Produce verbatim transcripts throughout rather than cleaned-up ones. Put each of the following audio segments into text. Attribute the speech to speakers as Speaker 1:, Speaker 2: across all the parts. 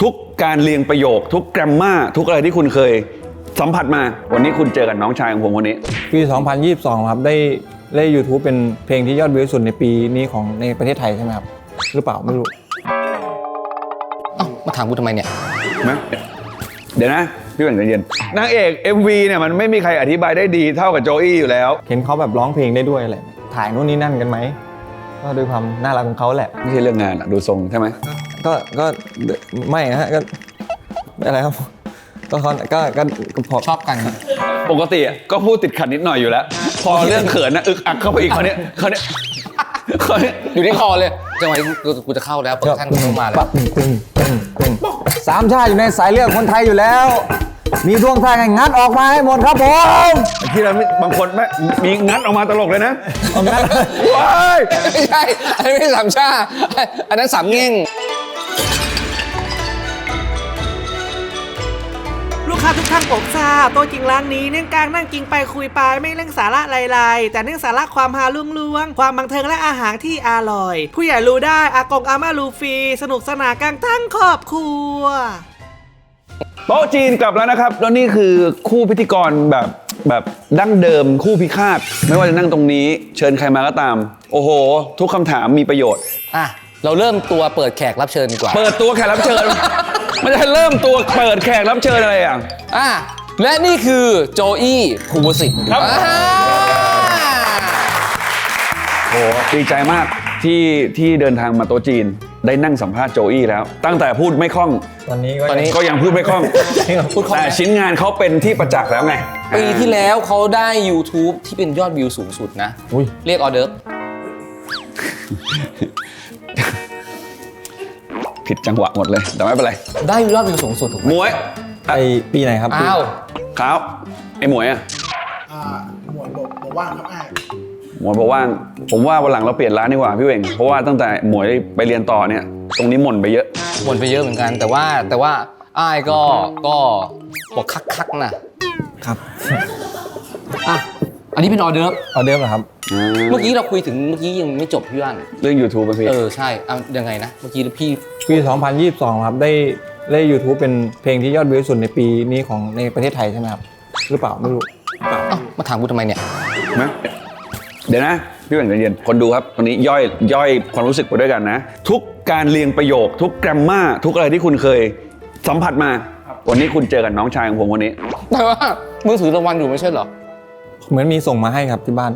Speaker 1: ทุกการเรียงประโยคทุกแกรมมาทุกอะไรที่คุณเคยสัมผัสมาวันนี้คุณเจอกับน้องชายของผมคนนี้
Speaker 2: ปีสองพันยี่สิบสองครับได้เล่น YouTube เป็นเพลงที่ยอดวิวสุดในปีนี้ของในประเทศไทยใช่ไหมครับหรือเปล่าไม่รู้
Speaker 3: เอ้ามาถามกูทำไมเนี่ย
Speaker 1: นะเดี๋ยวนะพี่แบ่งใจเย็นนางเอก เอ็ม วี เนี่ยมันไม่มีใครอธิบายได้ดีเท่ากับโจอี้อยู่แล้ว
Speaker 2: เห็นเขาแบบร้องเพลงได้ด้วยอะไรถ่ายนู่นนี่นั่นกันไหมก็ด้วยความน่ารักของเขาแหละ
Speaker 1: ไม่ใช่เรื่องงานอะดูทรงใช่ไหม
Speaker 2: ก็ก็ไม่นะฮะก็อะไรครับก็เขาก็ก็พอ
Speaker 3: ชอบกัน
Speaker 1: ปกติก็พูดติดขัดนิดหน่อยอยู่แล้วพอเรื่องเขินนะอึกอักเข้าไปอีกเขาเนี้ยเขาเนี้ยเขาเนี้ย
Speaker 3: อยู่ที่คอเลยจังหวะนี้กูจะเข้าแล้วโปรดักชั่นกูมาแล้ว
Speaker 2: สามชาติอยู่ในสายเลือดคนไทยอยู่แล้วมีดวงทางงัดออกมาให้หมดครับผม
Speaker 1: ที่เราบางคนไม่มีงัดออกมาตลกเลยนะงัดว้าย
Speaker 3: ไม่ใช่อันนี้ไม่ใช่สามชาอันนั้นสามเง่ง
Speaker 4: ลูกค้าทุกท่านผมทราบตัวจริงร้านนี้เนื่องกลางนั่งกินไปคุยไปไม่เรื่องสาระไรๆแต่เรื่องสาระความฮาลุ่งๆความบันเทิงและอาหารที่อร่อยผู้ใหญ่รู้ได้อากงอาม่ารู้ฟรีสนุกสนานกันทั้งครอบครัว
Speaker 1: โต๊ะจีนกลับแล้วนะครับแล้วนี่คือคู่พิธีกรแบบแบบดั้งเดิมคู่พิฆาตไม่ว่าจะนั่งตรงนี้เชิญใครมาก็ตามโอ้โหทุกคำถามมีประโยชน์
Speaker 3: อ่ะเราเริ่มตัวเปิดแขกรับเชิญดีกว่า
Speaker 1: เปิดตัวแขกรับเชิญมันจะเริ่มตัวเปิดแขกรับเชิญอะไรอ่ะ
Speaker 3: อ่ะและนี่คือโจอี้ภูวสิทธิ์
Speaker 1: ครับโอ้ดีใจมากที่ที่เดินทางมาโต๊ะจีนได้นั่งสัมภาษณ์โจอี้แล้วตั้งแต่พูดไม่คล่อง
Speaker 2: ตอนนี้
Speaker 1: ตอนนี้ก็ยังพูดไม่คล่องแต่ชิ้นงานเขาเป็นที่ประจักษ์แล้วไง
Speaker 3: ปีที่แล้วเขาได้ YouTube ที่เป็นยอดวิวสูงสุดนะเรียกออเดิร์ฟ
Speaker 1: ผิดจังหวะหมดเลยแต่ไม่เป็นไร
Speaker 3: ได้ยอดวิวสูงสุดถูกไหม
Speaker 1: หมวย
Speaker 2: ไอปีไหนครับ
Speaker 3: อ้าว
Speaker 1: ครับไอหมวยอ่ะ
Speaker 5: อ่าหมวยบอกบอกว่างครับไอ้
Speaker 1: หมวยบอกว่างผมว่าวันหลังเราเปลี่ยนร้านดีกว่าพี่เวงเพราะว่าตั้งแต่หมวยไปเรียนต่อเนี่ยตรงนี้หม่นไปเยอะ
Speaker 3: หม่นไปเยอะเหมือนกันแต่ว่าแต่ว่าอ้ายก็ก็บอกคักๆนะครับอ่ะอันนี้เป็นออเดิร์ฟ
Speaker 2: ออเดิร์ฟเหรอครับ
Speaker 3: เมื่อกี้เราคุยถึงเมื่อกี้ยังไม่จบพี่ว่าน
Speaker 1: เรื่อง YouTube ป่ะพี่
Speaker 3: เออใช่เอายังไงนะเมื่อกี้พี่
Speaker 2: ปีสองพันยี่สิบสองครับได้เล่น YouTube เป็นเพลงที่ยอดวิวสุดในปีนี้ของในประเทศไทยใช่ไหมครับหรือเปล่าไม่รู้
Speaker 3: เอ้ามาถามกูทำไมเนี่ย
Speaker 1: นะเดี๋ยวนะพี่แบ่งใจเย็นคนดูครับตอนนี้ย่อยย่อยความรู้สึกไปด้วยกันนะทุกการเรียงประโยคทุกแกรมมาทุกอะไรที่คุณเคยสัมผัสมาวันนี้คุณเจอกับน้องชายของผมคนนี้
Speaker 3: แต่ว่ามึงถือรางวัลอยู่ไม่ใช่เหรอ
Speaker 2: เหมือนมีส่งมาให้ครับที่บ้าน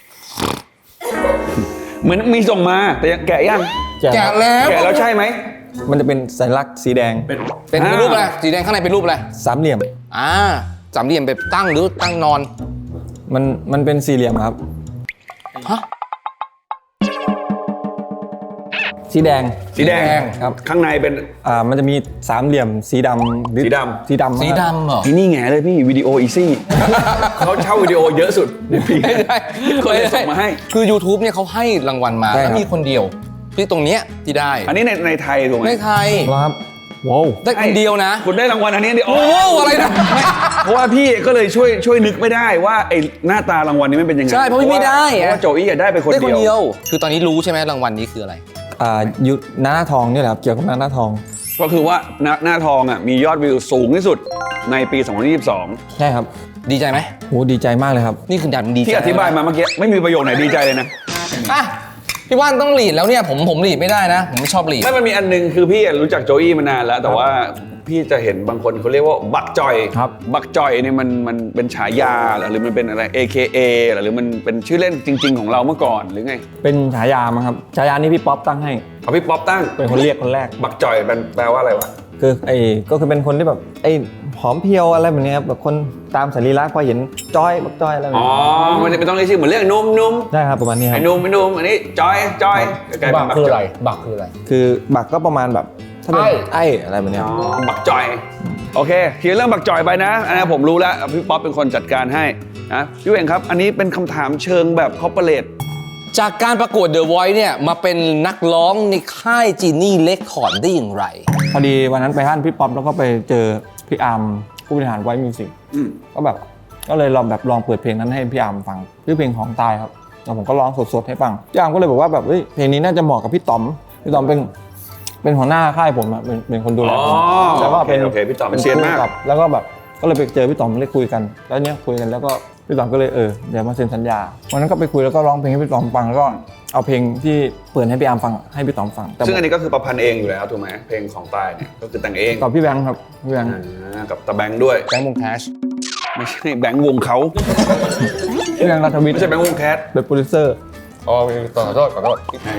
Speaker 1: เหมือนมีส่งมาแต่ยังแกะยัง
Speaker 3: แกะแล้ว
Speaker 1: แกะแล้วใช่ไหม
Speaker 2: มันจะเป็นสัญลักษณ์สีแดง
Speaker 3: เป็นเป็นรูปอะไรสีแดงข้างในเป็นรูปอะไร
Speaker 2: สามเหลี่ยม
Speaker 3: อ่าสามเหลี่ยมแบบตั้งหรือตั้งนอน
Speaker 2: มันมันเป็นสี่เหลี่ยมครับ
Speaker 3: ฮะ
Speaker 2: สีแดง
Speaker 1: สีแดง
Speaker 2: ครับ
Speaker 1: ข้างในเป็น
Speaker 2: อ่ามันจะมีสามเหลี่ยมสีดำ
Speaker 1: สีดำ
Speaker 2: สีดำ
Speaker 3: สีดำเหรอ
Speaker 1: ที่นี่ไงเลยพี่วิดีโออีซี่เขาเช่าวิดีโอเยอะสุดในปี
Speaker 3: ไม่ได้
Speaker 1: คนเลยส่งมาให้
Speaker 3: คือ YouTube เนี่ยเขาให้รางวัลมาแล้วมีคนเดียวที่ตรงเนี้ยที่ได้
Speaker 1: อันนี้ในในไทยถูกไหม
Speaker 3: ในไทย
Speaker 2: ครับว้าว
Speaker 3: ได้คนเดียวนะ
Speaker 1: คุณได้รางวัลอันนี้เดียว
Speaker 3: โอ้อะไรนะ
Speaker 1: เพราะว่าพี่ก็เลยช่วยช่วยนึกไม่ได้ว่าไอ้หน้าตารางวัลนี้มันเป็นยังไง
Speaker 3: ใช่เพราะไม่ได้
Speaker 1: เพราะว่าโจอี้ได้ไปคนเดียว
Speaker 3: คือตอนนี้รู้ใช่ไหมรางวัลนี้คืออะไร
Speaker 2: อ่ายุหน้าทองนี่แหละครับเกี่ยวกับหน้าทอง
Speaker 1: ก็คือว่าหน้าหน้าทองอ่ะมียอดวิวสูงที่สุดในปีสองพันยี่สิบสอง
Speaker 2: ใช่ครับ
Speaker 3: ดีใจไหม
Speaker 2: โหดีใจมากเลยครับ
Speaker 3: นี่คือดันดีใจ
Speaker 1: ที่อธิบายมาเมื่อกี้ไม่มีประโยคไหนดีใจเลยนะ
Speaker 3: อ่ะพี่ว่านต้องหลีดแล้วเนี่ยผมผมหลีดไม่ได้นะผมไม่ชอบหลีด
Speaker 1: ไม่มันมีอันนึงคือพี่รู้จักโจอี้มานานแล้วแต่ว่าพี่จะเห็นบางคนเขาเรียกว่าบักจอย
Speaker 2: ครับ
Speaker 1: บักจอยเนี่ยมันมันเป็นฉายาหรือมันเป็นอะไร เอ เค เอ หรือมันเป็นชื่อเล่นจริงๆของเราเมื่อก่อนหรือไง
Speaker 2: เป็นฉายามั้งครับฉายานี้พี่ป๊อปตั้งให้
Speaker 1: เอาพี่ป๊อปตั้ง
Speaker 2: เป็นคนเรียกคนแรก
Speaker 1: บักจอยเป็นแปลว่าอะไรวะ
Speaker 2: คือไอ้ก็คือเป็นคนที่แบบไอ้หอมเพียวอะไรแบบนี้ครับแบบคนตามสรีระพอเห็นจอยบักจอยอะไรแบบ
Speaker 1: นี้อ๋อมันจะเป็นต้องเรียกชื่อเหมือนเรียกนุ่มนุ่ม
Speaker 2: ใช่ครับประมาณนี้ครับ
Speaker 1: ไอ้นุ่มไอ้นุ่มอันนี้จอยจอย
Speaker 3: บักคืออะไรบักคืออะไร
Speaker 2: คือบักก็ประมาณแบบถ้าเป็นไอ้อะไรแบบนี้
Speaker 1: บักจอยโอเคเคลียร์เรื่องบักจอยไปนะอันนี้ผมรู้แล้วพี่ป๊อปเป็นคนจัดการให้นะพี่เวงครับอันนี้เป็นคำถามเชิงแบบคอร์ปอเรท
Speaker 3: จากการประกวด The Voice เนี่ยมาเป็นนักร้องในค่ายจีนี่เรคคอร์ดได้อย่างไร
Speaker 2: พอดีวันนั้นไปห้านพี่ป๊อปแล้วก็ไปเจอพี่อาร์มผู้บริหารไวท์มิวสิกก็แบบก็เลยลองแบบลองเปิดเพลงนั้นให้พี่อาร์มฟังชื่อเพลงของตายครับแล้วผมก็ร้องสดๆให้ฟังพี่อาร์มก็เลยบอกว่าแบบเฮ้ยเพลงนี้น่าจะเหมาะกับพี่ต๋อมพี่ต๋อมเป็นเป็นหัวหน้าค่ายผมอะเป็นเป็นคนดูแล
Speaker 1: อ๋อ
Speaker 2: ผมแล้วก็เป็น
Speaker 1: โอเคโอเคพี่ต๋อม
Speaker 2: เป็น
Speaker 1: เซียนมาก
Speaker 2: คู่กับแล้วก็แบบก็เลยไปเจอพี่ต๋อมเลยคุยกัน แล้วเนี้ยคุยกันแล้วก็พี่ต๋อมก็เลยเออเดี๋ยวมาเซ็นสัญญาวันนั้นก็ไปคุยแล้วก็ร้องเพลงให้พี่ต๋อมฟังแล้วก็เอาเพลงที่เปิดให้พี่อาร์มฟังให้พี่ต๋อมฟังแต่
Speaker 1: ซึ่งอันนี้ก็คือประพันธ์เองอยู่แล้วถูกไหมเพลงของตายเนี่ยก็คือแต่งเอง
Speaker 2: กับพี่แบงค์ครับพี่แบงค์
Speaker 1: อ่ากับตาแบงค์ด้วย
Speaker 3: แบงค์วงแคช
Speaker 1: ไม่ใช่แบงค์วงเขา
Speaker 2: พี่แบงค์รัฐวิทย์
Speaker 1: ไม่ใช่แบงค์วงแคท
Speaker 2: เป็นโปรดิวเซอร์
Speaker 3: อ๋อขอโทษขอโทษ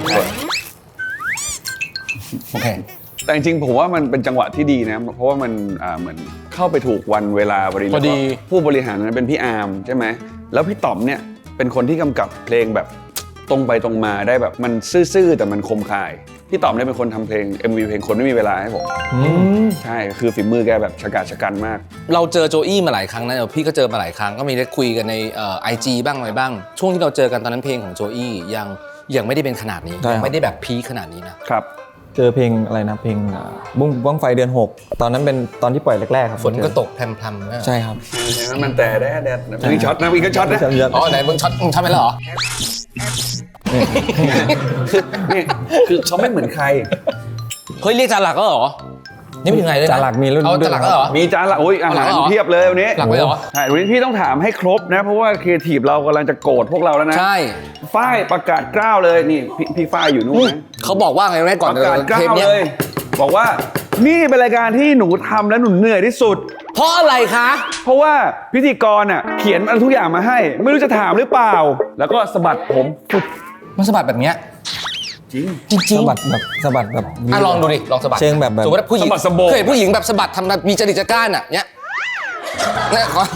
Speaker 3: โอเค
Speaker 1: แต่จริงๆผมว่ามันเป็นจังหวะที่ดีนะเพราะว่ามันอ่าเหมือนเข้าไปถูกวันเวลาพอดี
Speaker 3: พอดี
Speaker 1: แล้วก็ผู้บริหารนั้นเป็นพี่อาร์มใช่ไหมแล้วพี่ต๋อมเนี่ยเป็นคนที่กำกับเพลงแบบตรงไปตรงมาได้แบบมันซื่อๆแต่มันคมคายพี่ต๋อมเนี่ยเป็นคนทำเพลง เอ็ม วี เพลงคนไม่มีเวลาให้ผมใช่คือฝีมือแกแบบชะกาจชะกันมาก
Speaker 3: เราเจอโจอี้มาหลายครั้งนะเดี๋ยวพี่ก็เจอมาหลายครั้งก็มีได้คุยกันในไอจีบ้างอะไรบ้าง ช่วงที่เราเจอกันตอนนั้นเพลงของโจอี้ยังยังไม่ได้เป็นขนาดนี้ยังไม่ได้แบบพีคขนาดนี้นะครับ
Speaker 2: เจอเพลงอะไรนะเพลงอ่าบุ้งบ้างไฟเดือนหกตอนนั้นเป็นตอนที่ปล่อยแรกๆครับ
Speaker 3: ฝนก็ตกแพรมๆนะ
Speaker 2: ใช่ครับ
Speaker 1: มันแต่แดดแดดมีช็อตนะมีก็ช็อตนะ
Speaker 3: อ๋อไหนมึงช็อตมึงช็อตไปแล้วเหรอ
Speaker 1: นี่คือเขาไม่เหมือนใคร
Speaker 3: เฮ้ยเรียกจานหลักก็เหรอนี่ไม่ถึงไหนเลยนะ
Speaker 2: จานหลักมีรุ่น
Speaker 3: เอา
Speaker 2: ด้วย
Speaker 3: จานหลักก็เหรอ
Speaker 1: มีจานละโอ้ยอาหาร
Speaker 3: เอาเหรอ
Speaker 1: เพียบเลยวันนี้
Speaker 3: หลักไว้เหรอ
Speaker 1: ใช่วันนี้พี่ต้องถามให้ครบนะ เพราะว่าครีเอทีฟเรากำลังจะโกรธพวกเราแล้วนะ
Speaker 3: ใช่
Speaker 1: ฝ้ายประกาศกล้าวเลยนี่พี่พี่ฝ้ายอยู่นู่นนะ
Speaker 3: เขาบอกว่าไงแม่ก่อน
Speaker 1: ประกาศกล้า
Speaker 3: เทป
Speaker 1: ว
Speaker 3: เนี้ย
Speaker 1: เลย บอกว่านี่เป็นรายการที่หนูทำแล้วหนูเหนื่อยที่สุด
Speaker 3: เพราะอะไรคะ
Speaker 1: เพราะว่าพิธีกรอ่ะเขียนอะไรทุกอย่างมาให้ ไม่รู้จะถามหรือเปล่า แล้วก็สะบัดผมฟุด
Speaker 3: มันสะบัดแบบเนี้ย
Speaker 1: จริง
Speaker 3: จริง
Speaker 2: สะบัดแบบสะบัดแบบ
Speaker 3: ๆอ่ะลองดูดิลองสะบัด
Speaker 2: เชิงแบบแบบ
Speaker 3: สมมติว่าผู้หญิง
Speaker 1: สะบัดสะโบก
Speaker 3: เคยเห็นผู้หญิงแบบสะบัดทำแบบมีจริตจักร้านอ่ะเนี้ยเนี่ยขอ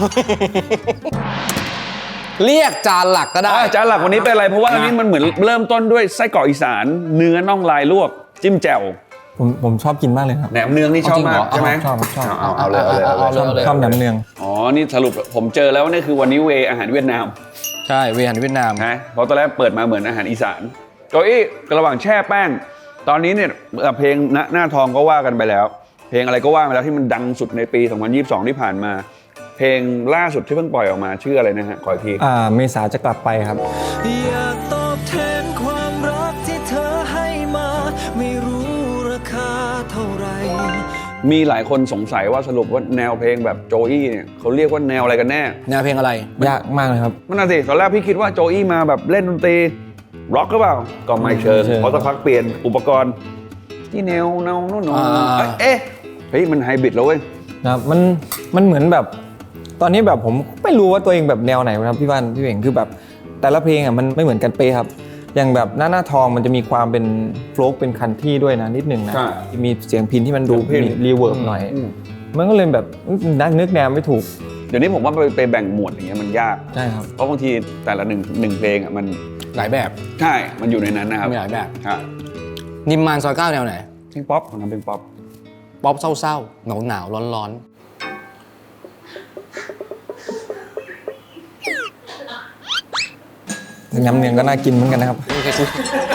Speaker 3: เรียกจานหลักก็ได้
Speaker 1: อ่ะจานหลักวันนี้เป็นอะไรเพราะว่าอันนี้มันเหมือนเริ่มต้นด้วยไส้กรอกอีสานเนื้อน่องลายลวกจิ้มแจ่ว
Speaker 2: ผมผมชอบกินมากเลยครับ
Speaker 1: แหนมเนืองนี่ชอบมากใช่ไหม
Speaker 2: ชอบชอบ
Speaker 1: เอาเอาเลยเอาเลยเอาเลย
Speaker 2: ชอบชอบแหนมเนือง
Speaker 1: อ๋อ นี่สรุปผมเจอแล้วว่านี่คือวันนี้เวอาหารเวียดนาม
Speaker 3: ใช่เวียนเวียดนาม
Speaker 1: นะเพราะตอนแรกเปิดมาเหมือนอาหารอีสานโจอี้ระหว่างแช่แป้ง ตอนนี้เนี่ยเอ่อเพลงณหน้าทองก็ว่ากันไปแล้ว เพลงอะไรก็ว่าไปแล้วที่มันดังสุดในปี สองพันยี่สิบสอง ที่ผ่านมา เพลงล่าสุดที่เพิ่งปล่อยออกมาชื่ออะไรนะฮะขออีกที
Speaker 2: อ่าเมษาจะกลับไปครับ
Speaker 6: อยากตอบแทนความรักที่เธอให้มา ไม่รู้ราคาเท่าไหร่
Speaker 1: มีหลายคนสงสัยว่าสรุปว่าแนวเพลงแบบโจอี้เนี่ยเขาเรียกว่าแนวอะไรกันแน่
Speaker 3: แนวเพลงอะไร
Speaker 2: ยากมากเลยครับ
Speaker 1: มันน่ะสิตอนแรกพี่คิดว่าโจอี้มาแบบเล่นดนตรีร็อกหรือเปล่าก็ไม่เชิง
Speaker 2: ไม่เชิง
Speaker 1: เพราะสักพักเปลี่ยนอุปกรณ์ที่แนวแนวโน่นโน่น
Speaker 3: อ่า
Speaker 1: เอ๊ะเฮ้ยมันไฮบริดแล้วเว้ย
Speaker 2: นะครับมันมันเหมือนแบบตอนนี้แบบผมไม่รู้ว่าตัวเองแบบแนวไหนครับพี่ว่านพี่เวงคือแบบแต่ละเพลงอ่ะมันไม่เหมือนกันเป๊ะครับอย่างแบบหน้าหน้าทองมันจะมีความเป็นโฟล์กเป็นคันที่ด้วยนะนิดนึงนะ
Speaker 1: ใช่
Speaker 2: มีเสียงพินที่มันดู
Speaker 1: เสียงพิณ
Speaker 2: มีรีเวิร์บหน่อย
Speaker 1: อืม
Speaker 2: มันก็เลยแบบนักนึกแนวไม่ถูก
Speaker 1: เดี๋ยวนี้ผมว่าไปไปแบ่งหมวดอย่างเงี้ยมันยาก
Speaker 2: ใช่ครับ
Speaker 1: เพราะบางทีแต่ละหนึ่งหนึ่งเพลงอ่ะมัน
Speaker 3: หลายแบบ
Speaker 1: ใช่ มันอยู่ในนั้นนะครับ
Speaker 3: มีหลายแบบ
Speaker 1: ใช่
Speaker 3: นิมมานซอยเก้าแนวไหน
Speaker 1: เพลงป๊อปผมทำเพลงป๊อป
Speaker 3: ป๊อปเศร้าๆหนาวหนาวร้อนร้อน
Speaker 2: น้ำเนียงก็น่ากินเหมือนกันนะครับ
Speaker 3: ๆไม่เคยคุย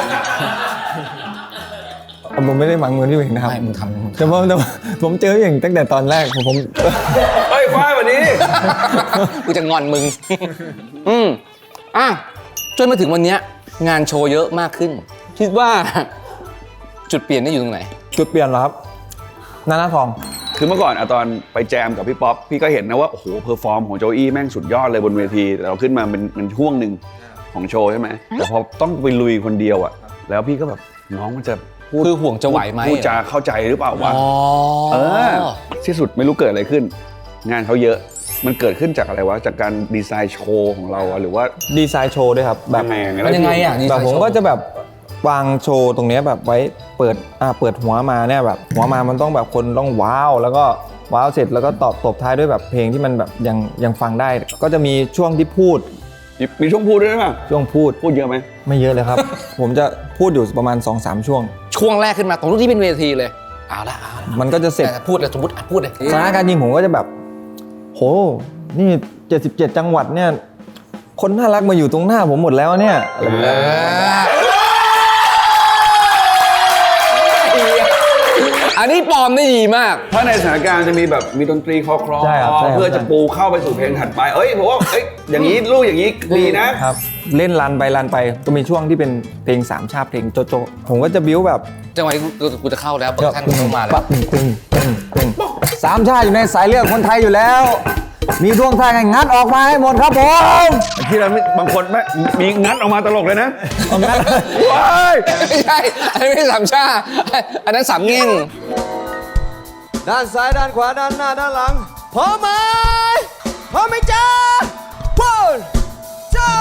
Speaker 2: ผมไม่ได้หวังเงินพี่เวงนะครับ
Speaker 3: ไม่มึงทำมึง
Speaker 2: แต่ว่าแต่ว่าผมเจอพี่เวงตั้งแต่ตอนแรกผมผม
Speaker 1: เฮ้ยฝ้ายวันนี้
Speaker 3: กูจะงอนมึง อืมอ่ะจนมาถึงวันเนี้ยงานโชว์เยอะมากขึ้น คิดว่า จุดเปลี่ยนนี่อยู่ตรงไหน
Speaker 2: จุดเปลี่ยนเหรอครับหน้าหน้าทอง
Speaker 1: คือเมื่อก่อนอะตอนไปแจมกับพี่ป๊อปพี่ก็เห็นนะว่าโอ้โหเพอร์ฟอร์มของโจอี้แม่งสุดยอดเลยบนเวทีแต่เราขึ้นมาเป็นเป็นช่วงหนึ่งของโชว์ใช่ไหมแต่พอต้องไปลุยคนเดียวอะแล้วพี่ก็แบบน้องมันจะพูด
Speaker 3: คือห่วงจะไหวไหม
Speaker 1: พูดจาเข้าใจหรือเปล่าวะ
Speaker 3: อ๋อ
Speaker 1: เออที่สุดไม่รู้เกิดอะไรขึ้น งานเขาเยอะมันเกิดขึ้นจากอะไรวะจากการดีไซน์โชว์ของเราอะหรือว่า
Speaker 2: ดีไซน์โชว์ด้วยครับแบบ
Speaker 1: ยังไงยังไง
Speaker 3: มันยังไงอ่ะดีไซ
Speaker 2: แบบ
Speaker 3: น์
Speaker 2: ผม
Speaker 3: โชว์
Speaker 2: ก็จะแบบวางโชว์ตรงเนี้ยแบบไว้เปิดอ่าเปิดหัวมาเนี่ยแบบหัวมามันต้องแบบคนต้องว้าวแล้วก็ว้าวเสร็จแล้วก็ตอบตบท้ายด้วยแบบเพลงที่มันแบบยังยังฟังได้ ก็จะมีช่วงที่พูด
Speaker 1: มีมีช่วงพูดด้วยไหม
Speaker 2: ช่วงพูด
Speaker 1: พูดเยอะไหม
Speaker 2: ไม่เยอะเลยครับ ผมจะพูดอยู่ประมาณ สองสาม ช่วง
Speaker 3: ช่วงแรกขึ้นมาตรงที่เป็นเวทีเลยเอาละเอาละ
Speaker 2: มันก็จะเสร็จ
Speaker 3: แต่พูดเลยสมมติอ่ะพูดเลย
Speaker 2: สถานการณ์จริงผมก็จะแบบโหนี่เจ็ดสิบเจ็ดจังหวัดเนี่ยคนน่ารักมาอยู่ตรงหน้าผมหมดแล้วเนี่ยอะไรแบบ
Speaker 3: เอ
Speaker 2: นี้
Speaker 3: ออันนี้ปลอมได้ดีมาก
Speaker 1: ถ้าในสถานการณ์จะมีแบบมีดนตรีคลอคลอ
Speaker 2: ใช่ครับใช่ครับ
Speaker 1: เพื่อจะปูเข้าไปสู่เพลงถัดไปเอ้ยผมว่าเอ้ยอย่างนี้ลูกอย่างนี้ดีนะครับ
Speaker 2: เล่นรันไปรันไปก็มีช่วงที่เป็นเพลงสามชาติเพลงโจโจผมก็จะบิ้วแบบ
Speaker 3: จังหวะนี้กูกูจะเข้าแล้วโปรดักชั่นเข้ามาแล้ว
Speaker 2: ปั๊บตึงตึงตึงตึงสามชาติอยู่ในสายเลือดคนไทยอยู่แล้ว มีท่วงท่าไงงัดออกมาให้หมดครับผม
Speaker 1: ที่เราไม่บางคนไม่มีงัดออกมาตลกเลยนะ
Speaker 2: เอางัด
Speaker 1: ว้าย
Speaker 3: ไม่ใช่ อันนี้ไม่ใช่สามชา อันนั้นสามเง่ง
Speaker 6: ด้านซ้ายด้านขวาด้านหน้าด้านหลังพร้อมไหมพร้อมไหมจ๊ะ one two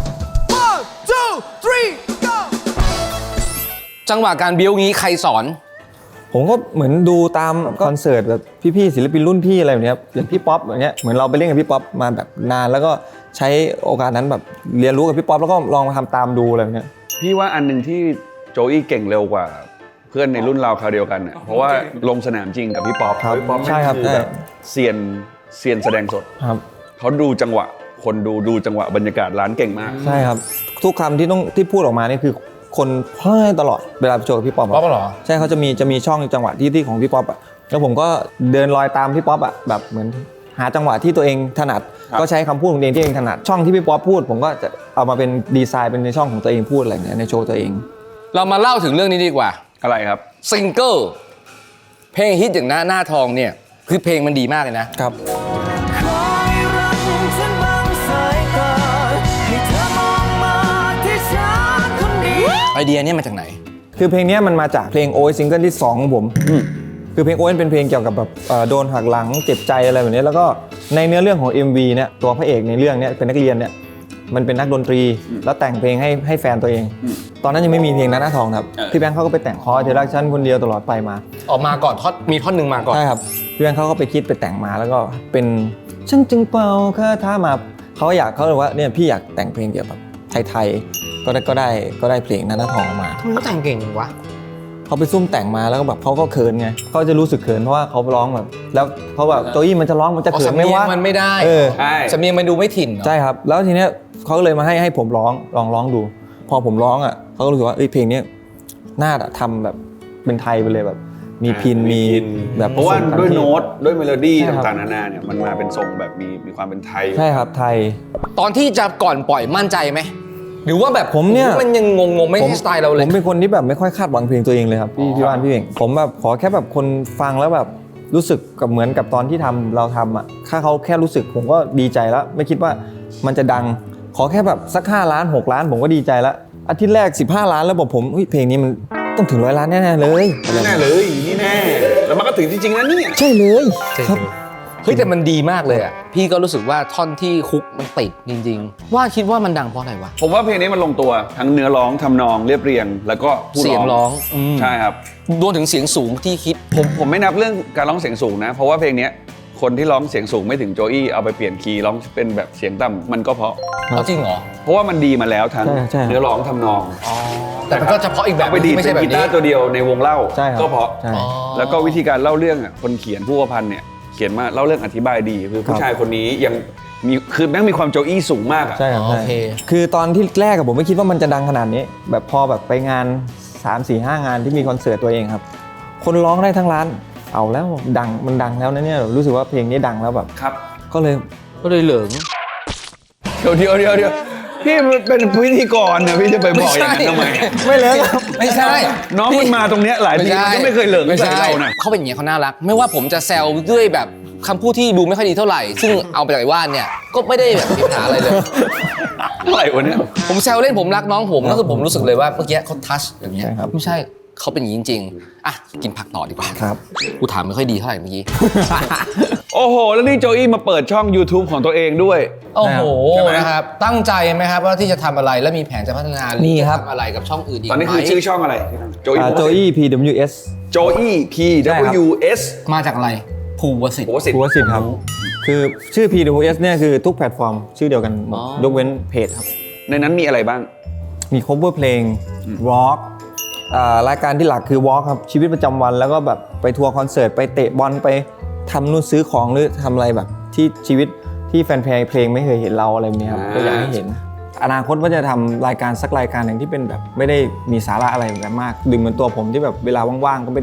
Speaker 6: one two three go
Speaker 3: จังหวะการบิ้วงี้ใครสอน
Speaker 2: ผมก็เหมือนดูตามคอนเสิร์ตแบบพี่ๆศิลปินรุ่นพี่อะไรแบบเนี้ยอย่างพี่ป๊อปอย่างเงี้ยเหมือนเราไปเล่นกับพี่ป๊อปมาแบบนานแล้วก็ใช้โอกาสนั้นแบบเรียนรู้กับพี่ป๊อปแล้วก็ลองมาทำตามดูอะไรแบบเนี้ย
Speaker 1: พี่ว่าอันหนึ่งที่โจอี้เก่งเร็วกว่า เพื่อนในรุ่นเราคราวเดียวกันเนี่ยเพราะว่าลงสนามจริงกับพี่ป๊อป
Speaker 2: ครับ
Speaker 1: พี่ป๊อป
Speaker 2: ใช่ครับ
Speaker 1: อแบบเซียนเซียนแสดงสด
Speaker 2: ครับ
Speaker 1: เขาดูจังหวะคนดูดูจังหวะบรรยากาศร้านเก่งมาก
Speaker 2: ใช่ครับทุกคำที่ต้องที่พูดออกมานี่คือคนเฮ้ยตลอดเวลาไปโชว์กับพี่ป๊อปะ
Speaker 3: ป๊อปเหรอ
Speaker 2: ใช่เขาจะมีจะมีช่องจังหวะที่ที่ของพี่ป๊อปอ่ะแล้วผมก็เดินรอยตามพี่ป๊อปอ่ะแบบเหมือนหาจังหวะที่ตัวเองถนัด
Speaker 1: ครับ
Speaker 2: ก็ใช้คำพูดของตัวเองที่ตัวเองถนัดช่องที่พี่ป๊อปพูดผมก็จะเอามาเป็นดีไซน์เป็นในช่องของตัวเองพูดอะไรอย่างเงี้ยในโชว์ตัวเอง
Speaker 3: เรามาเล่าถึงเรื่องนี้ดีกว่า
Speaker 1: อะไรครับ
Speaker 3: ซิงเกิลเพลงฮิตอย่างหน้าหน้าทองเนี่ย คือเพลงมันดีมากเลยนะ
Speaker 2: ครับ
Speaker 6: คอยรักฉันบางสายตาให้เธอมองมาที่ฉันคนเดียว
Speaker 3: ไอเดียเนี่ยมาจากไหน
Speaker 2: คือเพลงนี้มันมาจากเพลงโอ ซิงเกิลที่สองของผมคือเพลงโอเป็นเพลงเกี่ยวกับแบบเอ่อโดนหักหลังเจ็บใจอะไรแบบนี้แล้วก็ในเนื้อเรื่องของ เอ็ม วี เนี่ยตัวพระเอกในเรื่องเนี้ยเป็นนักเรียนเนี่ยมันเป็นนักดนตรีแล้วแต่งเพลงให้ให้แฟนตัวเอง ตอนนั้นยังไม่มีเพลงนั้นหน้าทองครับ
Speaker 1: เออ
Speaker 2: พี่แบงค์เขาก็ไปแต่งคอเธอรักฉันคนเดียวตลอดไปมา
Speaker 3: ออกมาก่อนท่อนมีท่อนหนึ่งมาก่อน
Speaker 2: ใช่ครับพี่แบงค์เขาก็ไปคิดไปแต่งมาแล้วก็เป็นฉันจึงเป่าคาถามาเขาอยากเขาเลยว่าเนี่ยพี่อยากแต่งเพลงเกี่ยวกับไทยๆก็ได้ก็ได้ก็ได้เพลงนั้นหน้าทองออกมา
Speaker 3: ทำไมเขาแต่งเก่งจังวะ
Speaker 2: เขาไปซุ่มแต่งมาแล้วก็แบบเขาก็เขินไงเขาจะรู้สึกเขินเพราะว่าเขาร้องแบบแล้วเขาแบบโจอี้มันจะร้องมันจะ
Speaker 3: อ๋อ
Speaker 2: เขิน
Speaker 3: สำ
Speaker 2: ไหม
Speaker 3: เนียง
Speaker 2: วะ
Speaker 3: มันไม่ได้
Speaker 2: เออ
Speaker 1: ใช่
Speaker 3: สำเนียงมันดูไม่ถิ่นเหรอ
Speaker 2: ใช่ครับแล้วทีเนี้ยเขาก็เลยมาให้ให้ผมร้องลองร้องดู พอผมร้องอ่ะเขาก็รู้สึกว่าเอ้ยเพลงเนี้ยน่าจะทำแบบเป็นไทยไปเลยแบบ มีพินมีแบบ
Speaker 1: เพราะว่า
Speaker 2: ผสมกัน
Speaker 1: ด้วย
Speaker 2: ที่
Speaker 1: โน้ตด้วยเมโลดี้
Speaker 2: ใช่ครับ
Speaker 1: ต่างๆนานาเนี่ยมันมาเป็นทรงแบบมีมีความเป็นไทย
Speaker 2: ใช่ครับไทย
Speaker 3: ตอนที่จะก่อนปล่อยมั่นใจไหมหรือว่าแบบ
Speaker 2: ผมเนี่ย
Speaker 3: มันยังงงๆไม่
Speaker 2: ผม
Speaker 3: ใช่สไตล์เราเลย
Speaker 2: ผมเป็นคนที่แบบไม่ค่อยคาดหวังเพลงตัวเองเลยครับพี่พี่ว่านพี่เองผมแบบขอแค่แบบคนฟังแล้วแบบรู้สึกกับเหมือนกับตอนที่ทำเราทำอ่ะถ้าเขาแค่รู้สึกผมก็ดีใจแล้ว ไม่คิดว่ามันจะดัง ขอแค่แบบสักห้าล้านหกล้านผมก็ดีใจแล้วอาทิตย์แรกสิบห้าล้านแล้วบอกผมเฮ้ยเพลงนี้มันต้องถึงร้อยล้านแน่ๆเลย
Speaker 1: นี่แน่เลยนี่แน่แล้วมันก็ถึงจริงๆนะเนี่ย
Speaker 2: ใช่เลยครับ
Speaker 3: เฮ้ยแต่มันดีมากเลยอ่ะพี่ก็รู้สึกว่าท่อนที่คุกมันติดจริงๆ ว่าคิดว่ามันดังเพราะอะไรวะ
Speaker 1: ผมว่าเพลงนี้มันลงตัวทั้งเนื้อร้องทำนองเรียบเรียง แล้วก็ผู้
Speaker 3: เสียงร้องอืม
Speaker 1: ใช่ครับ
Speaker 3: รวมถึงเสียงสูงที่คิด
Speaker 1: ผมผมไม่นับเรื่องการร้องเสียงสูงนะ เพราะว่าเพลงเนี้ยคนที่ร้องเสียงสูงไม่ถึงโจอี้เอาไปเปลี่ยนคีย์ร้องเป็นแบบเสียงต่ำมันก็เพราะ
Speaker 3: เอาจริงเหรอ
Speaker 1: เพราะว่ามันดีมาแล้วทั้ง
Speaker 2: ใช่ใช่
Speaker 1: เนื้อร้องทำนอง
Speaker 3: แต่มันก็เฉพาะอีกแบบ
Speaker 1: เอาไปดีด
Speaker 3: ไม่
Speaker 1: เป็
Speaker 3: ใช่
Speaker 1: น
Speaker 3: แบบ
Speaker 1: กีตา
Speaker 3: นี้
Speaker 1: ร์ตัวเดียวในวงเล่า
Speaker 2: ใช่ครับ
Speaker 1: ก็เพราะ
Speaker 2: ใช่
Speaker 3: อ๋อ
Speaker 1: แล้วก็วิธีการเล่าเรื่องอ่ะคนเขียนผู้ประพันธ์เนี่ยเขียนมาเล่าเรื่องอธิบายดีคือ
Speaker 2: ค
Speaker 1: ผู้
Speaker 2: รับ
Speaker 1: ชายคนนี้ยังมีคือแม่งมีความโจอี้สูงมากอ่ะ
Speaker 2: ใช่ครับ
Speaker 3: อ๋อ
Speaker 2: ใช่
Speaker 3: โอเค
Speaker 2: คือตอนที่แรกกับผมไม่คิดว่ามันจะดังขนาดนี้ แบบพอแบบไปงาน สาม สี่ ห้างานที่มีคอนเสิร์ตตัวเองครับ คนร้องได้ทั้งร้านเอาแล้วดังมันดังแล้วนะเนี่ยรู้สึกว่าเพลงนี้ดังแล้วแบบ
Speaker 1: ครับ
Speaker 2: ก็เลย
Speaker 3: ก็เลยเหลิง
Speaker 1: เดี๋ยวเดี๋ยวเดี๋ยวเดี๋ยวพี่เป็นพิธีกรเนี่ยพี่จะไปบอกอย่างนั้นทำไม
Speaker 2: ไม่เลยครับ
Speaker 3: ไม่ใช่
Speaker 1: น้องมันมาตรงเนี้ยหลายทีมันก็ไม่เคยเหลิง
Speaker 3: ไม่
Speaker 1: ใส่
Speaker 3: ใช่
Speaker 1: เรานะ
Speaker 3: เขาเป็นอย่างนี้ยเขาน่ารัก ไม่ว่าผมจะแซวด้วยแบบคำพูดที่ดูไม่ค่อยดีเท่าไหร่ ซึ่งเอาไปจากไอ้ว่านเนี่ยก็ไม่ได้แบบมีปัญหาอะไรเลย
Speaker 1: อะไรวะเนี่ย
Speaker 3: ผมแซวเล่นผมรักน้องผมก็คือผมรู้สึกเลยว่าเมื่อกี้เขาทัชอย่างเงี้ย
Speaker 2: ใช่ครับ
Speaker 3: ไม่ใช่เขาเป็นอย่างนี้จริงๆอ่ะกินผักต่อดีกว่า
Speaker 2: ครับ
Speaker 3: กูถามไม่ค่อยดีเท่าไหร่เมื่อกี้
Speaker 1: โอ้โห แล้วนี่โจอี้มาเปิดช่อง YouTube ของตัวเองด้วย
Speaker 3: โอ้โห
Speaker 1: ใช่ไหม
Speaker 3: นะครับตั้งใจไหมครับว่าที่จะทำอะไรและมีแผนจะพัฒนาหรือ
Speaker 2: มีครับ
Speaker 3: จะทำอะไรกับช่องอื่นอีก
Speaker 1: ตอนนี้คือ
Speaker 3: ไหม
Speaker 1: ชื่อช่องอะไรโจอี้
Speaker 2: โจอี้ พี ดับเบิลยู เอส
Speaker 1: โจอี้ พี
Speaker 2: ใช่ครับ
Speaker 1: ดับเบิลยู เอส
Speaker 3: มาจากอะไรภูวสิทธิ์
Speaker 1: โหสิท
Speaker 2: ภู
Speaker 1: ธิ์
Speaker 2: วสิทธิ์ครับ คือชื่อ พี ดับเบิลยู เอส เนี่ยคือทุกแพลตฟอร์มชื่อเดียวกันหมด
Speaker 3: อ๋อ
Speaker 2: ยกเว้นเพจครับ
Speaker 1: ในนั้นมีอะไรบ้าง
Speaker 2: มี cover เพลง walk อ่ารายการที่หลักคือ walk ครับ ชีวิตประจำวันแล้วก็แบบไปทัวร์คอนเสิร์ต ไปเตะบอลไปทำนู่นซื้อของหรือทำอะไรแบบที่ชีวิตที่แฟนเพลงไม่เคยเห็นเราอะไรแบบนี้ครับ
Speaker 1: อ่า
Speaker 2: ก็อยากให้เห็น อนาคตว่าจะทำรายการสักรายการหนึ่งที่เป็นแบบไม่ได้มีสาระอะไรแบบมากดึงเหมือนตัวผมที่แบบเวลาว่างๆก็ไม่ได้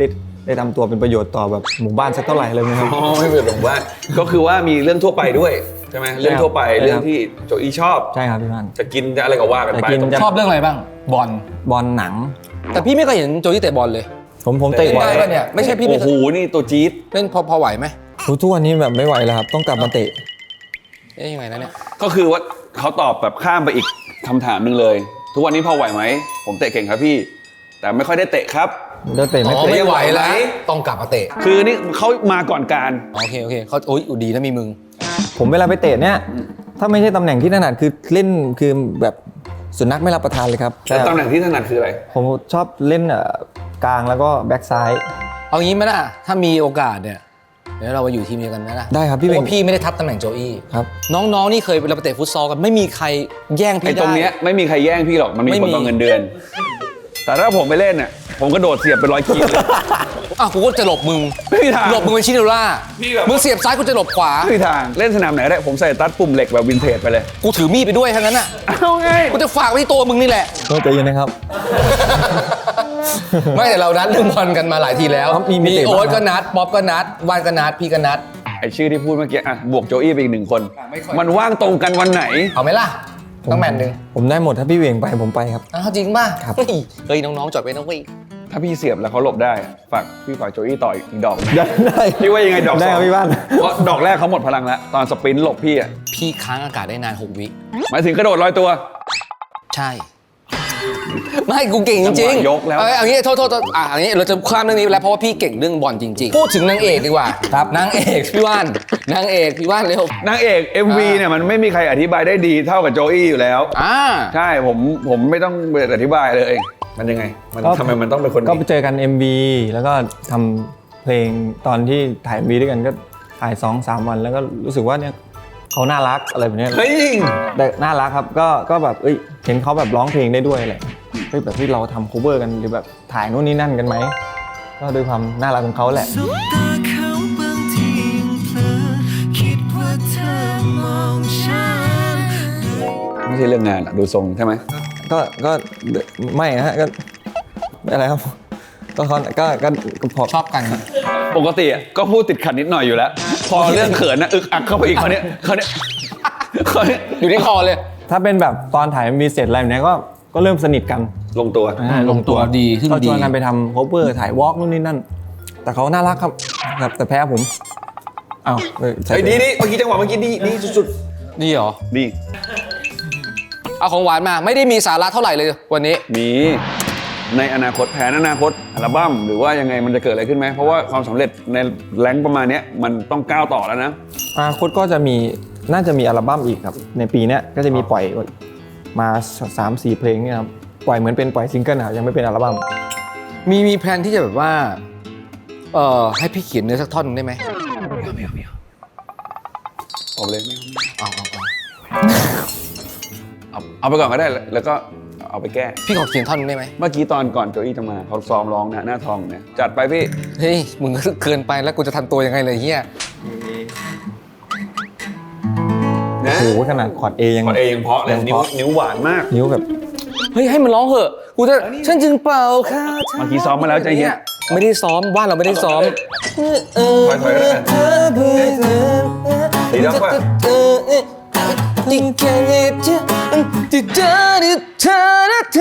Speaker 2: ได้ทำตัวเป็นประโยชน์ต่อแบบหมู่บ้านสักเท่าไหร่เลยนะครับ
Speaker 1: อ๋อไม่เป็นหรอกว่าก็คือว่ามีเรื่องทั่วไปด้วยใช่ไหมเรื่องทั่วไป
Speaker 2: ใช่ครับ
Speaker 1: เรื่องที่โจอี้ชอบ
Speaker 2: ใช่ครับพี่พัน
Speaker 1: จะกินจะอะไรก็ว่ากันไป
Speaker 2: จะกินจะ
Speaker 3: ชอบเรื่องอะไรบ้างบอล
Speaker 2: บอลหนัง
Speaker 3: แต่พี่ไม่เคยเห็นโจอี้เตะบอลเลย
Speaker 2: ผมผมเตะบอล
Speaker 3: ได้ปะเนี่ยไม่ใช่พี่ไม่
Speaker 1: โอ้
Speaker 3: เค
Speaker 1: โห
Speaker 3: ย
Speaker 1: นี่ตัวจี๊ด
Speaker 3: เล่นพอพอไหวไหม
Speaker 2: ทุกวันนี้แบบไม่ไหวแล้วครับต้องกลับมาเตะ
Speaker 3: เอ๊ยยังไงนะเนี่ย
Speaker 1: ก็คือว่าเขาตอบแบบข้ามไปอีกคำถามหนึ่งเลย ทุกวันนี้พอไหวไหมผมเตะเก่งครับพี่ แต่ไม่ค่อยได้เตะครับ
Speaker 2: เดี๋ยวเตะ
Speaker 3: อ๋
Speaker 2: ไม่
Speaker 3: อ
Speaker 2: เตะ
Speaker 3: ไม่ไหวแล้ว
Speaker 1: ไหว
Speaker 3: ต้องกลับมาเตะ
Speaker 1: คือนี่เขามาก่อนการ
Speaker 3: โอเคโอเคเขาโอ้ยอุยดีนะมีมึง
Speaker 2: ผมเวลาไปเตะเนี่ยถ้าไม่ใช่ตำแหน่งที่ถนัดคือเล่นคือแบบสุนัขไม่รับประทานเลยครับ
Speaker 1: แล้วตำแหน่งที่ถนัดคืออะไร
Speaker 2: ผมชอบเล่นเอ่อกลางแล้วก็แบ็กซ้าย
Speaker 3: เอางี้ไหมล่ะถ้ามีโอกาสเนี่ยเดี๋ยวเรามาอยู่ทีมเดียวกันไหมล่ะ
Speaker 2: ได้ครับพี่
Speaker 3: เพ
Speaker 2: เบ่
Speaker 3: ราะ
Speaker 2: ง
Speaker 3: ว่าพี่ไม่ได้ทับตำแหน่งโจอี้
Speaker 2: ครับ
Speaker 3: น้องๆนี่เคยเราไปเตะฟุตซอลกันไม่มีใครแย่ง
Speaker 1: ไอ้
Speaker 3: พี่ได้
Speaker 1: ตรงเนี้ยไม่มีใครแย่งพี่หรอกมันมี
Speaker 3: ไม่
Speaker 1: คน
Speaker 3: มี
Speaker 1: ต่อเงินเดือน แต่ถ้าผมไปเล่นเนี่ยผมก็โดดเสียบเป็นร้อยคีเลย
Speaker 3: อ่ะกูก็จะหลบมึง
Speaker 1: ไม่มีทาง
Speaker 3: หลบมึงเป็นชิโนล่า
Speaker 1: พี่แบบ
Speaker 3: มึงเสียบซ้ายกูจะหลบขวา
Speaker 1: ไม่มีทางเล่นสนามไหนก็ได้ผมใส่ตัดปุ่มเหล็กแบบวินเทจไปเลย
Speaker 3: กูถือมีดไปด้วยทั้งนั้นอ่ะ
Speaker 1: เอาไง
Speaker 3: กูจะฝากไว้ที่ตัวมึงนี่แหละ
Speaker 2: ก็ใจเย็นนะครับ
Speaker 3: ไม่แต่เรานัดเรื่องบอลกันมาหลายทีแล้ว
Speaker 2: ครับมีมีเตะ
Speaker 3: โอ๊ต
Speaker 2: บ้าง
Speaker 3: ก็นัดป๊อปก็นัดวานก็นัดพี่ก็นัด
Speaker 1: ไอชื่อที่พูดเมื่อกี้อ่ะบวกโจอี้ไปอีกหนึ่งคน มันว่างตรงกันวันไหน
Speaker 3: เอาไหมล่ะต้องแมนหนึ่ง
Speaker 2: ผมได้หมดถ้าพี่เหวี่ยงไปผมไปครับ
Speaker 3: อ้าวจริงป่ะ
Speaker 2: ครับ
Speaker 3: เฮ้ยเฮ้ยน้องๆจอดไว้นะเว้ย
Speaker 1: ถ้าพี่เสียบแล้วเขาหลบได้อะฝากพี่ฝากโจอี้ต่ออีกดอกนะ
Speaker 2: ได้ได้
Speaker 1: พี่ว่ายังไงดอก
Speaker 2: ได้
Speaker 1: สอ
Speaker 2: ครั
Speaker 1: ง
Speaker 2: บพี่บ้าน
Speaker 1: เพราะดอกแรกเขาหมดพลังแล้วตอนสปรินต์หลบพี่อ่ะ
Speaker 3: พี่ค้างอากาศได้นานหกวิ
Speaker 1: หมายถึงกระโดดลอยตัว
Speaker 3: ใช่ ไม่กูเก่งจริง
Speaker 1: จังหวะยกแล้ว
Speaker 3: เอาเอางี้โทษโทษโทษอ่ะอันนี้เราจะข้ามเรื่องนี้ไปแล้วเพราะว่าพี่เก่งเรื่องบอลจริงๆ พูดถึงนางเอกดีกว่า
Speaker 2: ครับ
Speaker 3: นางเอกพี่ว่านนางเอกพี่ว่านเร็วน
Speaker 1: างเอก เอ็ม วี
Speaker 3: อ่า
Speaker 1: เนี่ยมันไม่มีใครอธิบายได้ดีเท่ากับโจอี้อยู่แล้ว
Speaker 3: อ่า
Speaker 1: ใช่ผมผมไม่ต้องไปอธิบายเลยมันยังไงมัน
Speaker 2: ก็
Speaker 1: ทำไมมันต้องเป็นคน
Speaker 2: ก็
Speaker 1: นี้
Speaker 2: ไปเจอกัน เอ็ม วี แล้วก็ทำเพลงตอนที่ถ่าย เอ็ม วี ด้วยกันก็ถ่ายสองสามวันแล้วก็รู้สึกว่าเนี่ยเขาน่ารักอะไรแบบเนี้ย
Speaker 1: เฮ้ย
Speaker 2: แต่น่ารักครับก็ก็แบบเอ้ยเห็นเขาแบบร้องเพลงได้ด้วยอะไรเฮ้ยแบบที่เราทำ cover กันหรือแบบถ่ายนู่นนี่นั่นกันไหมก็ด้วยความน่ารักของเขาแหละ
Speaker 7: สบตาเขาบางทียังเผลอคิดว่าเธอมองฉัน
Speaker 1: ไม่ใช่เรื่องงานอะดูทรงใช่ไหม
Speaker 2: ก็ก็ไม่ฮะก็อะไรครับก็เขาก็ก็ก็พอ
Speaker 3: ชอบกัน
Speaker 1: ปกติอะก็พูดติดขัดนิดหน่อยอยู่แล้ว พอเรื่องเขินนะอึกอักเข้าไปอีกเขาเนี้ยเขาเนี้ยเขาเนี้ย
Speaker 3: อยู่ที่คอเลย
Speaker 2: ถ้าเป็นแบบตอนถ่าย เอ็ม วี เสร็จอะไรแบบเนี้ยก็ก็เริ่มสนิทกัน
Speaker 1: ลงตัว
Speaker 2: อ่า
Speaker 3: ลงตัวดีขึ้น
Speaker 2: ก็
Speaker 3: ดี
Speaker 2: ชวนกันไปทำ cover ถ่ายวอล์กนู่นนี่นั่น แต่เขาน่ารักครับครับแต่แพ้ผมอ้าวเฮ้ยใส่
Speaker 1: ไอ้ยดีดีเมื่อกี้จังหวะเมื่อกี้ดีดีสุด
Speaker 3: นี่เหรอ
Speaker 1: ๆดี
Speaker 3: เอาของหวานมาไม่ได้มีสาระเท่าไหร่เลยวันนี้
Speaker 1: มีในอนาคตแผนอนาคตอัลบั้มหรือว่ายังไงมันจะเกิดอะไรขึ้นไหมเพราะว่าความสำเร็จในแรงค์ประมาณเนี้ยมันต้องก้าวต่อแล้วนะ
Speaker 2: อนาคตก็จะมีน่าจะมีอัลบั้มอีกครับ ในปีเนี้ยก็จะมีปล่อยมาสามสี่เพลงเนี่ยครับปล่อยเหมือนเป็นปล่อยซิงเกิลนะครับยังไม่เป็นอัลบั้ม
Speaker 3: มีมีแพลนที่จะแบบว่าเอ่อให้พี่เขียนเนื้อสักท่อนหนึ่งได้ไหม
Speaker 1: ออกเลยไม่เอา
Speaker 3: เอาเอาเอา
Speaker 1: เอาเอาไปก่อนก็ได้แล้วก็เอาไปแก้
Speaker 3: พี่ขอเขียนท่อนหนึงได้ไหม
Speaker 1: เมื่อกี้ตอนก่อนโจอี้จะมาเขาซ้อมร้องนะหน้าทองเนี่ยจัดไปพี่
Speaker 3: เฮ้ยมึงก็เกินไปแล้วกูจะทำตัวยังไงเลยเฮีย
Speaker 1: นะ
Speaker 2: โอ้โหขนาดคอร์ด A ยัง
Speaker 1: ก่อนเองยังเพราะเลย
Speaker 2: ยัง
Speaker 1: นิ้ว
Speaker 2: เพราะ
Speaker 1: นิ้วหวานมาก
Speaker 2: นิ้วแบบ
Speaker 3: เฮ้ยให้มันร้องเหอะกูจะฉันจึงเป่าค่ะ
Speaker 1: เมื่อกี้ซ้อมมาแล้วใจเย็น
Speaker 3: ไม่ได้ซ้อมบ้านเราไม่ได้ซ้อม
Speaker 1: ถอยถอยๆก็ได้ดีแล้วป่ะ
Speaker 3: ที่แค่เห็นเธอที่เธอที่เธอเธ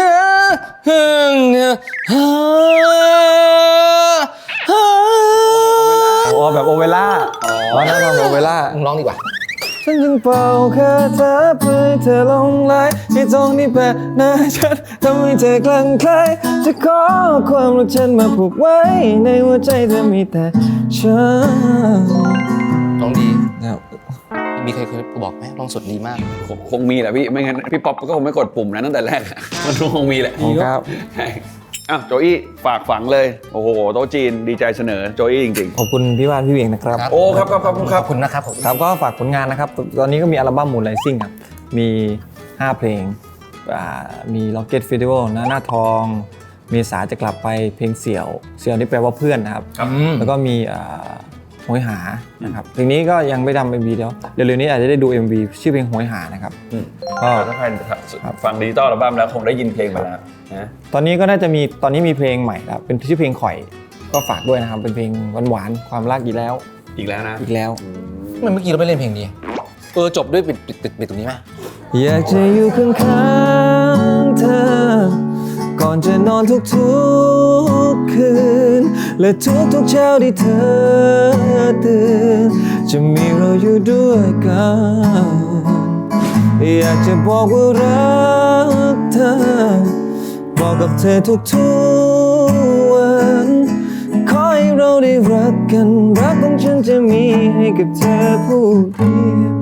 Speaker 3: อ
Speaker 2: โอ้แบบโอเวล่าอ๋อนั่นทำโอเวล่า
Speaker 3: มึงร้องดีกว่า
Speaker 2: ฉันจึงเป่าคาถาเพื่อให้เธอหลงไหลให้ตรงนี้แปะหน้าฉันทำให้เธอคลั่งไคล้จะขอความรักฉันมาผูกไว้ในหัวใจเธอมีแต่ฉัน
Speaker 3: ร้องดี
Speaker 2: นะครับ
Speaker 3: มีใครเคยบอกไหมร้องสดดีมาก
Speaker 1: คงคงมีแหละพี่ไม่งั้นพี่ป๊อปก็คงไม่กดปุ่มนั้นตั้งแต่แรกอะมันคงมีแหละ
Speaker 2: ขอบคุณครับ
Speaker 1: ใช่อ้าวโจอี้ฝากฝังเลยโอ้โหโต๊ะจีนดีใจเสนอโจอี้จริง
Speaker 2: ขอบคุณพี่วานพี่เวียงนะครับ
Speaker 3: ครับ
Speaker 1: ๆโอ้ครับครับครับค
Speaker 3: ข
Speaker 1: รั
Speaker 3: อ
Speaker 1: บบ
Speaker 3: คุณนะครับผม
Speaker 2: ครับก็ฝากผลงานนะครับ ตอนนี้ก็มีอัลบั้มมูนไลซิ่งครับ มีห้าเพลงอ่ามี Rocket Festival หน้าหน้าทองเมษาจะกลับไปเพลงเสี่ยว เสี่ยวนี่แปลว่าเพื่อนนะครับ แล้วก็มีอ่าโหยหานะครับเพลงนี้ก็ยังไม่ทำเอ็มวีเดี๋ยวเร็วๆนี้อาจจะได้ดู เอ็ม วี ชื่อเพลงโหยหานะครับก็
Speaker 1: ถ้าใครฟังดิจิตอลอัลบั้มแล้วคงได้ยินเพลงไปแล้วนะ
Speaker 2: ตอนนี้ก็น่าจะมีตอนนี้มีเพลงใหม่แล้วเป็นชื่อเพลงข่อยก็ฝากด้วยนะครับเป็นเพลงหวานๆความรักอีกแล้ว
Speaker 1: อีกแล้วนะ
Speaker 2: อีกแล้ว
Speaker 3: ทำไมเมื่อกี้เราไม่เล่นเพลงนี้เออจบด้วยปิดปิดปิดปิดตรงนี้ไหม
Speaker 2: อยากจะอยู่ข้างๆเธอ ก่อนจะนอนทุกๆคืน และทุกๆเช้าที่เธอตื่นจะมีเราอยู่ด้วยกัน อยากจะบอกว่ารักเธอ บอกกับเธอทุกๆวันขอให้เราได้รักกันรักของฉันจะมีให้กับเธอผู้เดียว